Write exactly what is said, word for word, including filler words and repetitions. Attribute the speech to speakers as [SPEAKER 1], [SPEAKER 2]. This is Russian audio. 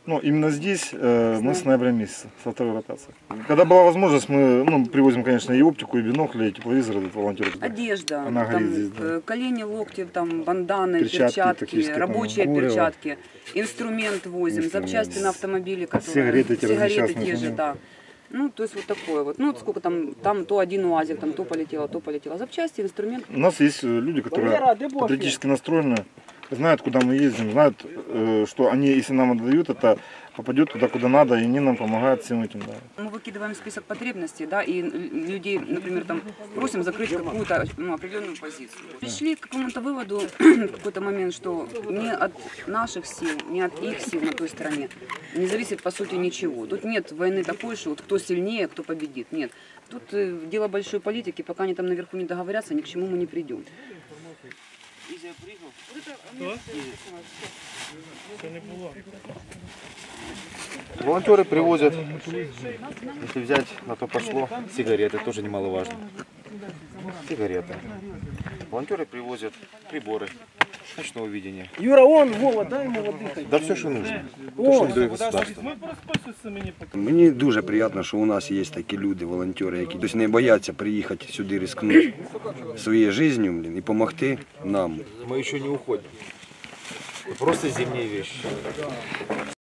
[SPEAKER 1] Ну, именно здесь э, мы с ноября месяца, со второй ротации. Когда была возможность, мы ну, привозим, конечно, и оптику, и бинокли, и тепловизоры, и волонтеры.
[SPEAKER 2] Одежда,
[SPEAKER 1] Она
[SPEAKER 2] там,
[SPEAKER 1] горит здесь, да.
[SPEAKER 2] колени, локти, там, банданы,
[SPEAKER 1] Перчатки,
[SPEAKER 2] перчатки, рабочие
[SPEAKER 1] там,
[SPEAKER 2] перчатки, инструмент возим,
[SPEAKER 1] Инструмент.
[SPEAKER 2] запчасти на автомобиле, которые,
[SPEAKER 1] Сигареты те
[SPEAKER 2] сигареты
[SPEAKER 1] разные
[SPEAKER 2] те же, да. Ну, то есть вот такое вот. Ну, вот сколько там, там то один УАЗик, там то полетело, то полетело. Запчасти, инструмент.
[SPEAKER 1] У нас есть люди, которые патриотически настроены, знают, куда мы ездим, знают, что они, если нам отдают, это попадет туда, куда надо, и они нам помогают всем этим. Да.
[SPEAKER 2] Мы выкидываем список потребностей, да, и людей, например, там просим закрыть какую-то ну, определенную позицию. Пришли к какому-то выводу в какой-то момент, что не от наших сил, не от их сил на той стороне не зависит по сути ничего. Тут нет войны такой, что вот кто сильнее, кто победит. Нет. Тут э, дело большой политики, пока они там наверху не договорятся, ни к чему мы не придем.
[SPEAKER 3] Волонтеры привозят, если взять на то пошло, сигареты, тоже немаловажно. Сигареты. Волонтеры привозят приборы ночного видения.
[SPEAKER 4] Юра, он, Вова, дай ему воды.
[SPEAKER 3] Да все, що нужно. То, що дає государство.
[SPEAKER 5] Мені дуже приємно, що у нас є такі люди, волонтери, які тобто, не бояться приїхати сюди, ризикнути своєю життю і допомогти нам.
[SPEAKER 3] Мы еще не уходим. Просто зимние вещи.